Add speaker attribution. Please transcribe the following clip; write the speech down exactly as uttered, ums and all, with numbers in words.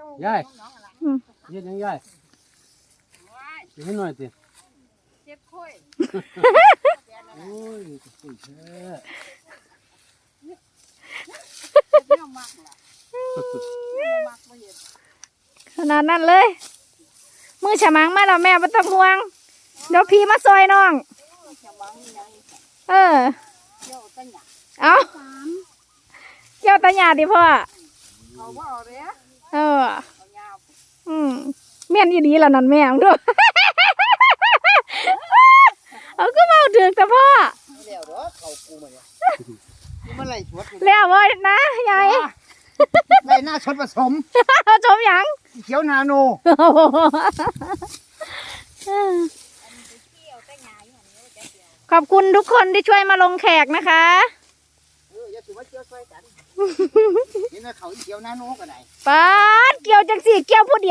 Speaker 1: ยายเย็นยังยายให้หน่อยสิเจ็บค่อยโอ้ยคุยแท้
Speaker 2: ขนาดนั้นเลยมือฉมังมาแล้วแม่ไม่ต้องห่วงเดี๋ยวพี่มาซอยน้องเออเอาเกี่ยวตาหยาดิพ่อเอออืมเมียนอีดีแล้วนั่นแม่งด้วยเอาก็มาถึงแต่พ่อแล้วเว้ยนะยาย
Speaker 3: ในหน้าชดผสม
Speaker 2: ชมยัง
Speaker 3: เขียวนาโน
Speaker 2: ขอบคุณทุกคนที่ช่วยมาลงแขกนะคะ
Speaker 3: เอออย่าถือว่าเกี่ยวช่วยกันนี่นะเขาเขียวนาโนก็ได้
Speaker 2: ป้าเกี่ยวจังสี่เกี่ยวผู้เดียว